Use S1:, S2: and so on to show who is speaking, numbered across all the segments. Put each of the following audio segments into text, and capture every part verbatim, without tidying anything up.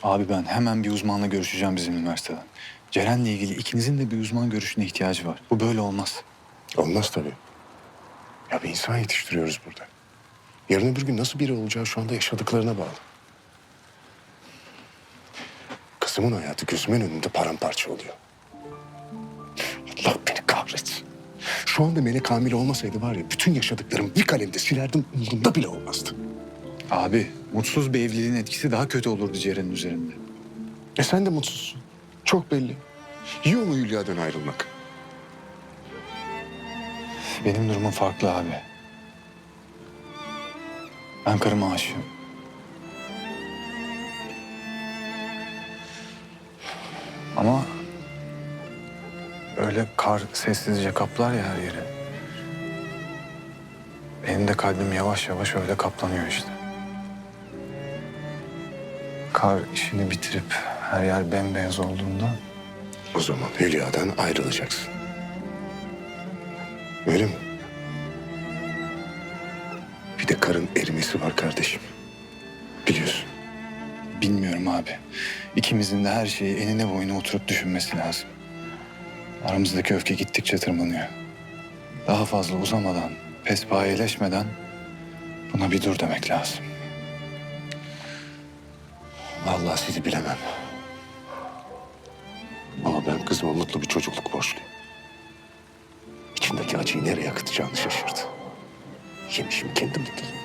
S1: Abi ben hemen bir uzmanla görüşeceğim bizim üniversiteden. Ceren'le ilgili ikinizin de bir uzman görüşüne ihtiyacı var. Bu böyle olmaz.
S2: Olmaz tabii. Ya bir insan yetiştiriyoruz burada. Yarın öbür gün nasıl biri olacağı şu anda yaşadıklarına bağlı. Kızımın hayatı gözümün önünde paramparça oluyor. Allah beni kahretsin. Şu anda Melek hamile olmasaydı var ya bütün yaşadıklarımı bir kalemde silerdim, umurumda bile olmazdı.
S1: Abi mutsuz bir evliliğin etkisi daha kötü olurdu Ceren'in üzerinde.
S2: E sen de mutsuzsun. Çok belli. Yiyor mu Hülya'dan ayrılmak?
S1: Benim durumum farklı abi. Ben karıma aşığım. Ama öyle kar sessizce kaplar ya her yeri. Benim de kalbim yavaş yavaş öyle kaplanıyor işte. Kar işini bitirip her yer bembeyaz olduğunda
S2: O zaman Hülya'dan ayrılacaksın. Öyle mi? Bir de karın erimesi var kardeşim. Biliyorsun.
S1: bilmiyorum abi. İkimizin de her şeyi enine boyuna oturup düşünmesi lazım. Aramızdaki öfke gittikçe tırmanıyor. Daha fazla uzamadan, pespayeleşmeden buna bir dur demek lazım.
S2: Vallahi sizi bilemem. Ama ben kızıma mutlu bir çocukluk borçluyum. İçindeki acıyı nereye akıtacağını şaşırdı. Yemişim kendi mutluluğumu.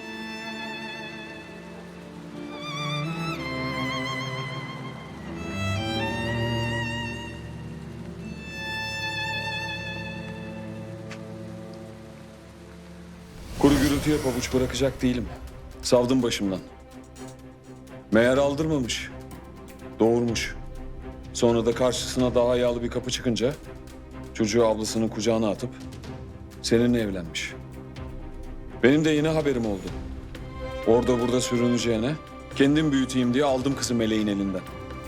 S3: Kuru gürültüye pabuç bırakacak değilim. Savdım başımdan. Meğer aldırmamış. Doğurmuş. Sonra da karşısına daha yağlı bir kapı çıkınca çocuğu ablasının kucağına atıp seninle evlenmiş. Benim de yine haberim oldu. Orada burada sürüneceğine kendim büyüteyim diye aldım kızı Meleğin elinden.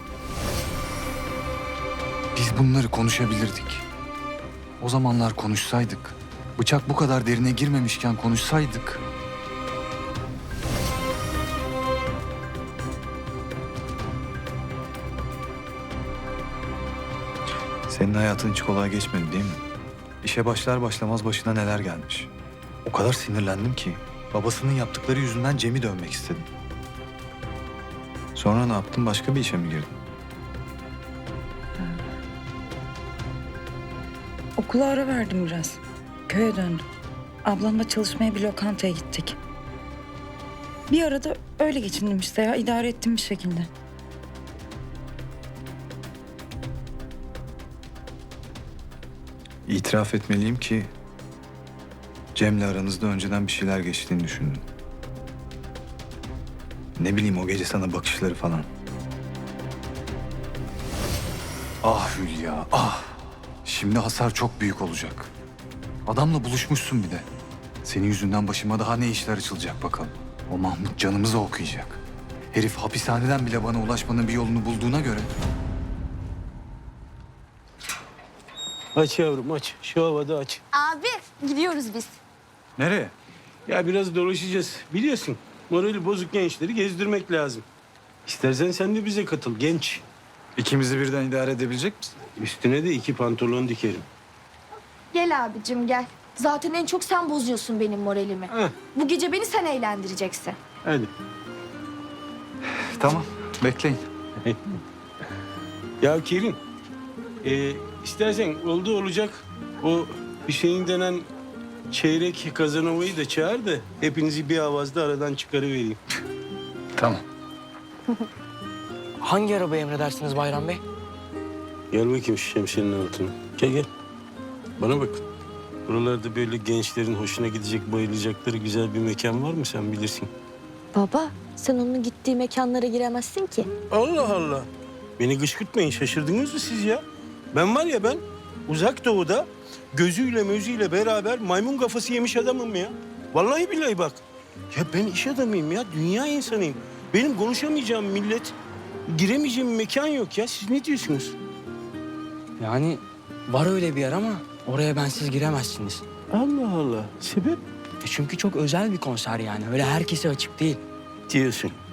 S1: Biz bunları konuşabilirdik. O zamanlar konuşsaydık. Bıçak bu kadar derine girmemişken konuşsaydık. Senin hayatın hiç kolay geçmedi değil mi? İşe başlar başlamaz başına neler gelmiş. O kadar sinirlendim ki babasının yaptıkları yüzünden Cem'i dövmek istedim. Sonra ne yaptın? Başka bir işe mi girdin?
S4: Okula ara verdim biraz. Köye döndüm. Ablamla çalışmaya bir lokantaya gittik. Bir arada öyle geçindim işte ya. İdare ettim bir şekilde.
S1: İtiraf etmeliyim ki Cem'le aranızda önceden bir şeyler geçtiğini düşündüm. Ne bileyim o gece sana bakışları falan. Ah Hülya, ah. Şimdi hasar çok büyük olacak. Adamla buluşmuşsun bir de. Senin yüzünden başıma daha ne işler açılacak bakalım. O Mahmut canımızı okuyacak. Herif hapishaneden bile bana ulaşmanın bir yolunu bulduğuna göre...
S5: Aç yavrum aç. Şu havada aç.
S6: Abi gidiyoruz biz.
S1: Nereye?
S5: Ya biraz dolaşacağız. Biliyorsun morali bozuk gençleri gezdirmek lazım. İstersen sen de bize katıl genç.
S1: İkimizi birden idare edebilecek misin?
S5: Üstüne de iki pantolon dikerim.
S6: Gel abicim gel. Zaten en çok sen bozuyorsun benim moralimi.
S5: Heh.
S6: Bu gece beni sen eğlendireceksin.
S5: Hadi.
S1: Tamam, bekleyin.
S5: Ya Kerim. E, istersen oldu olacak o Hüseyin denen çeyrek Kazanova'yı da çağır da hepinizi bir avazda aradan çıkarıvereyim.
S1: Tamam.
S7: Hangi arabayı emredersiniz Bayram Bey?
S5: Gel bakayım şu şemsiyenin altına. Gel gel. Bana bak. Buralarda böyle gençlerin hoşuna gidecek, bayılacakları güzel bir mekan var mı sen bilirsin.
S6: Baba sen onun gittiği mekanlara giremezsin ki.
S5: Allah Allah. Beni kışkırtmayın. Şaşırdınız mı siz ya? Ben var ya ben uzak doğuda gözüyle mözüyle beraber maymun kafası yemiş adamım ya. Vallahi billahi bak. Ya ben iş adamıyım ya. Dünya insanıyım. Benim konuşamayacağım millet, giremeyeceğim mekan yok ya. Siz ne diyorsunuz?
S7: Yani var öyle bir yer ama oraya bensiz giremezsiniz.
S5: Allah Allah. Sebep?
S7: E çünkü çok özel bir konser yani. Öyle herkese açık değil.
S5: Diyorsun.